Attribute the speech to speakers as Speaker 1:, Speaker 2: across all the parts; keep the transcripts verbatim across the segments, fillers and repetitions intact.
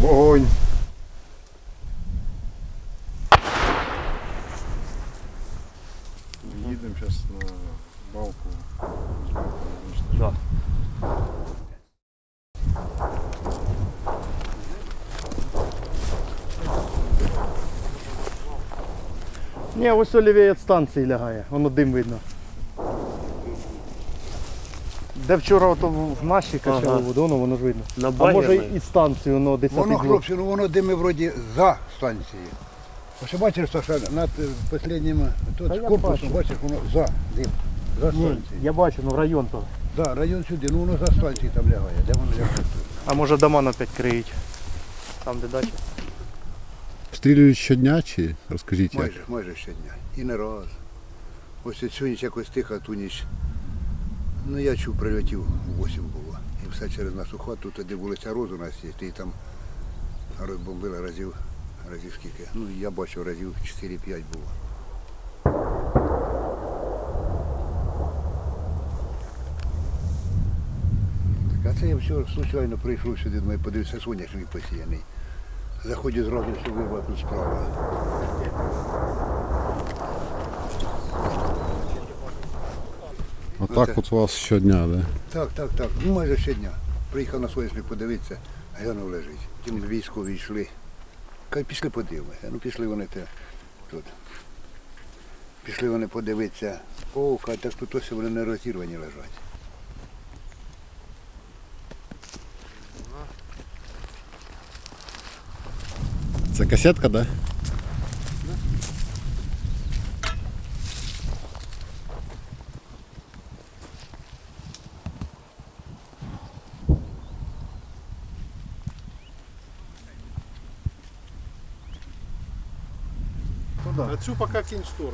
Speaker 1: Огонь. Їдемо зараз на балку.
Speaker 2: Да.
Speaker 3: Ні, ось олівей від станції лягає, воно дим видно. Де вчора ото в нашій качали
Speaker 2: Ага.
Speaker 3: воду, воно, воно ж видно.
Speaker 2: На
Speaker 3: А
Speaker 2: багі
Speaker 3: може
Speaker 2: ми.
Speaker 3: і станцію, воно десь
Speaker 4: Воно,
Speaker 3: під
Speaker 4: хлопці, ну воно дими вроді за станцією. Ось бачиш, що над останнім тут
Speaker 3: Та я
Speaker 4: корпусом,
Speaker 3: бачу.
Speaker 4: бачиш, воно за дим. За
Speaker 3: Ні,
Speaker 4: станцією.
Speaker 3: я бачу, ну район то.
Speaker 4: Да, район сюди, ну воно за станцією там лягає. Де воно лягає тут?
Speaker 3: А може дома опять криють. Там де дача.
Speaker 5: Стрілюють щодня чи розкажіть як?
Speaker 4: Майже, майже щодня. І не раз. Ось цю ніч якось тихо, ту ніч. Ну я чув, прильотів у восім було. І все через нашу хату, туди вулиця Роз у нас є, і там розбомбили разів, разів скільки. Ну я бачив разів чотири-п'ять було. Так, а це я вчора случайно прийшов сюди, думаю, подивився, соняшник посіяний. Заходять зразу, що вирва тут справа.
Speaker 5: Отак от у вас щодня, да?
Speaker 4: Так, так, так. Ну майже щодня. Приїхав на соняшник подивитися, глянув лежить. Тим військові йшли. Кажуть, пішли подивимося. Ну пішли вони те тут. Пішли вони подивитися. О, кажуть, так тут ось вони не розірвані лежать.
Speaker 5: Це касетка, да?
Speaker 1: А цю поки кинь в сторону.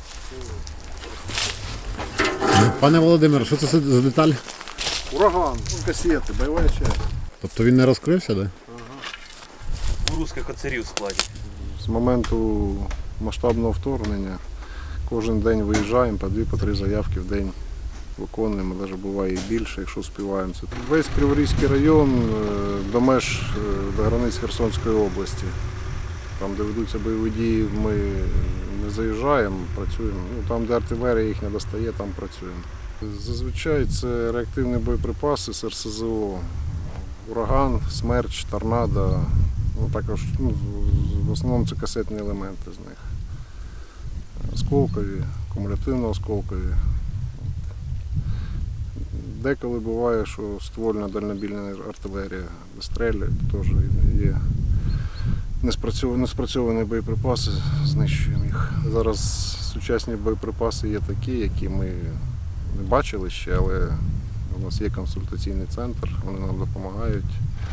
Speaker 5: Пане Володимире, що це за деталь?
Speaker 1: Ураган, касети, бойова часть.
Speaker 5: Тобто він не розкрився, да?
Speaker 2: У русських оцарів в складі.
Speaker 1: З моменту масштабного вторгнення кожен день виїжджаємо, по дві, по три заявки в день виконуємо, навіть буває і більше, якщо співаємо. Це весь Криворізький район е, до меж, е, до границь Херсонської області. Там, де ведуться бойові дії, ми не заїжджаємо, працюємо. Ну, там, де артилерія їх не достає, там працюємо. Зазвичай це реактивні боєприпаси з ер ес зе о. Ураган, смерч, торнадо. Ну, також, ну, в основному це касетні елементи з них. Осколкові, кумулятивно-осколкові. Деколи буває, що ствольна дальнобільна артилерія вистрілює, теж є неспрацьовані, неспрацьовані боєприпаси, знищуємо їх. Зараз сучасні боєприпаси є такі, які ми не бачили ще, але у нас є консультаційний центр, вони нам допомагають.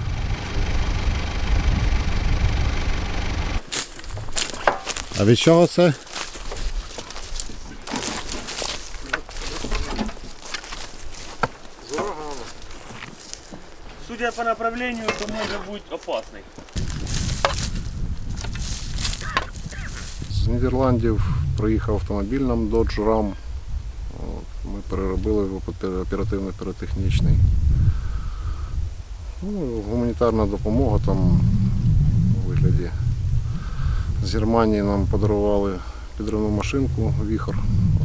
Speaker 5: А від чого це?
Speaker 2: Судя по направлению, то може бути опасний.
Speaker 1: З Нідерландів приїхав автомобіль нам Dodge Ram. От, ми переробили його під оперативно-піротехнічний. Ну, гуманітарна допомога там у вигляді. З Германії нам подарували підривну машинку Віхор.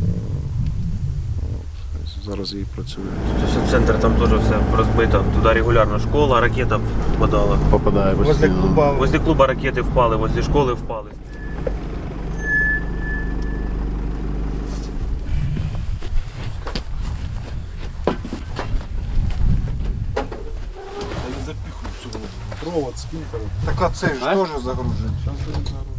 Speaker 1: От, зараз її працює.
Speaker 2: Тобто центр там теж все розбито. Туди регулярно школа, ракета впадала.
Speaker 5: Попадає
Speaker 3: Возле
Speaker 5: постійно.
Speaker 3: клуба.
Speaker 2: Возле клуба ракети впали, возле школи впали.
Speaker 1: Провод скинь.
Speaker 4: Так а це ж теж загружений.